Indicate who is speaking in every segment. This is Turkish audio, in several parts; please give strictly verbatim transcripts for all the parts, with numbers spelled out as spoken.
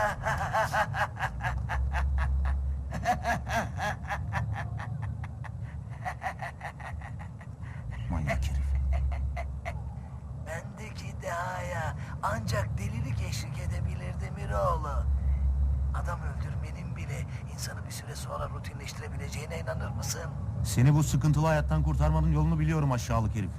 Speaker 1: Manyak herif.
Speaker 2: Bendeki dehaya ancak delilik eşlik edebilirdi Miroğlu. Adam öldürmenin bile insanı bir süre sonra rutinleştirebileceğine inanır mısın?
Speaker 1: Seni bu sıkıntılı hayattan kurtarmanın yolunu biliyorum aşağılık herif.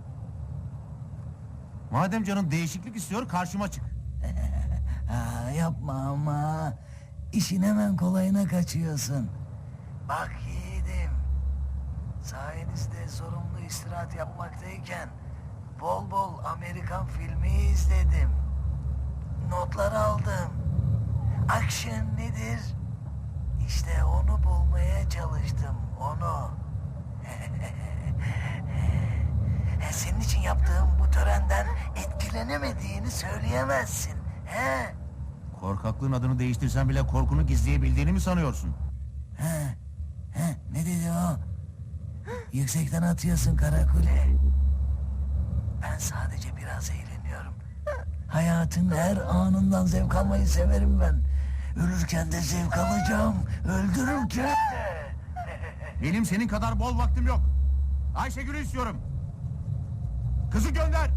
Speaker 1: Madem canın değişiklik istiyor karşıma çık.
Speaker 2: Ha, yapma ama. İşin hemen kolayına kaçıyorsun. Bak yiğidim. Sayenizde sorumlu istirahat yapmaktayken bol bol Amerikan filmi izledim. Notlar aldım. Action nedir? İşte onu bulmaya çalıştım, onu. Senin için yaptığım bu törenden etkilenemediğini söyleyemezsin. He?
Speaker 1: Korkaklığın adını değiştirsen bile korkunu gizleyebildiğini mi sanıyorsun?
Speaker 2: He? He? Ne dedi o? Yüksekten atıyorsun karakule. Ben sadece biraz eğleniyorum. Hayatın her anından zevk almayı severim ben. Ölürken de zevk alacağım. Öldürürken de.
Speaker 1: Benim senin kadar bol vaktim yok. Ayşegül'ü istiyorum. Kızı gönder.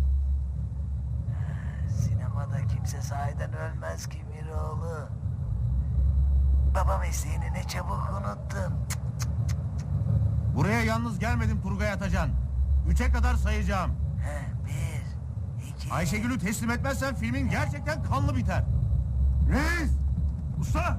Speaker 2: Sinemada kimse sahiden ölmez ki Miroğlu. Baba mesleğini ne çabuk unuttun.
Speaker 1: Buraya yalnız gelmedim Turgay Atacan. Üçe kadar sayacağım.
Speaker 2: He, bir, iki...
Speaker 1: Ayşegül'ü teslim etmezsen filmin gerçekten kanlı biter. Reis! Usta!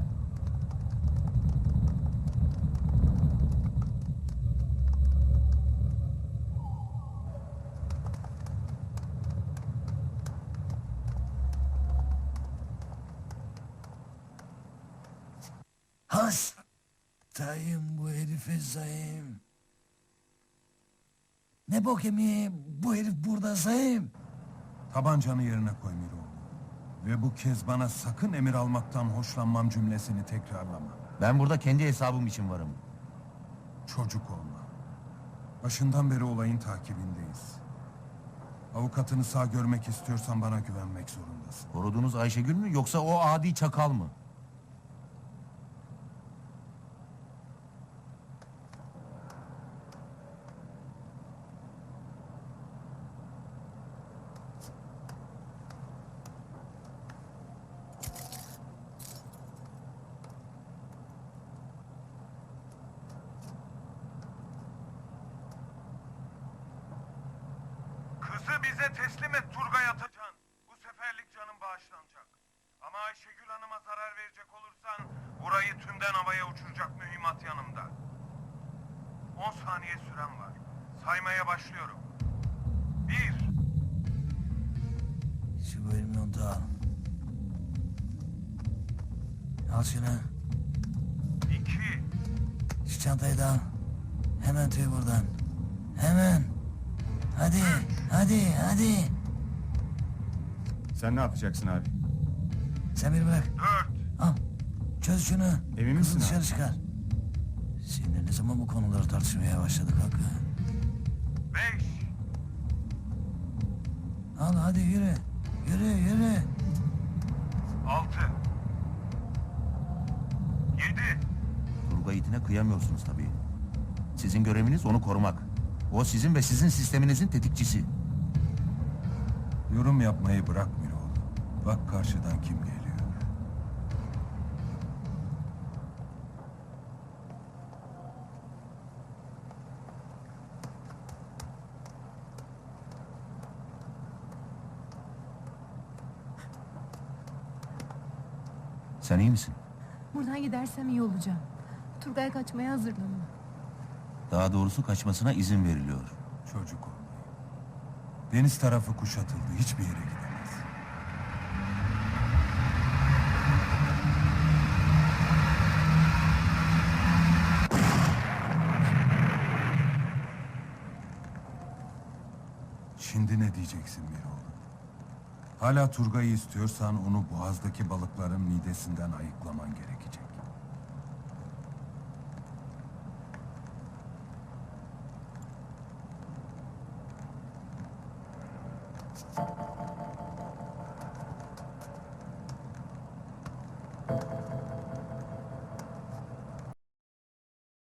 Speaker 2: Hastayım bu herife sayayım. Ne bok yemeği bu herif burada sayayım.
Speaker 3: Tabancanı yerine koy Miroğlu. Ve bu kez bana sakın emir almaktan hoşlanmam cümlesini tekrarlama.
Speaker 1: Ben burada kendi hesabım için varım.
Speaker 3: Çocuk olma. Başından beri olayın takibindeyiz. Avukatını sağ görmek istiyorsan bana güvenmek zorundasın.
Speaker 1: Koruduğunuz Ayşegül mü yoksa o adi çakal mı?
Speaker 3: Kızı bize teslim et Turgay Atacan. Bu seferlik canın bağışlanacak. Ama Ayşegül Hanım'a zarar verecek olursan burayı tümden havaya uçuracak mühimmat yanımda. On saniye süren var. Saymaya başlıyorum. Bir.
Speaker 2: Şu bölümü da al. Al şunu.
Speaker 3: İki.
Speaker 2: Şu çantayı da al. Hemen tüy buradan. Hemen. Hadi, hadi, hadi.
Speaker 3: Sen ne yapacaksın abi?
Speaker 2: Sen beni bırak.
Speaker 3: Dört.
Speaker 2: Al. Çöz şunu.
Speaker 3: Emin
Speaker 2: Kızı
Speaker 3: misin
Speaker 2: dışarı
Speaker 3: abi?
Speaker 2: çıkar. Seninle ne zaman bu konuları tartışmaya başladık Hakkı?
Speaker 3: Beş.
Speaker 2: Al hadi yürü. Yürü, yürü.
Speaker 3: Altı. Yedi.
Speaker 1: Turgay itine kıyamıyorsunuz tabii. Sizin göreviniz onu korumak. O sizin ve sizin sisteminizin tetikçisi.
Speaker 3: Yorum yapmayı bırak Miroğlu. Bak karşıdan kim geliyor.
Speaker 1: Sen iyi misin?
Speaker 4: Buradan gidersem iyi olacağım. Turgay kaçmaya hazırlanıyor.
Speaker 1: Daha doğrusu kaçmasına izin veriliyor.
Speaker 3: Çocuk olmayı. Deniz tarafı kuşatıldı. Hiçbir yere gidemez. Şimdi ne diyeceksin Miroğlu? Hala Turgay'ı istiyorsan onu boğazdaki balıkların midesinden ayıklaman gerekecek.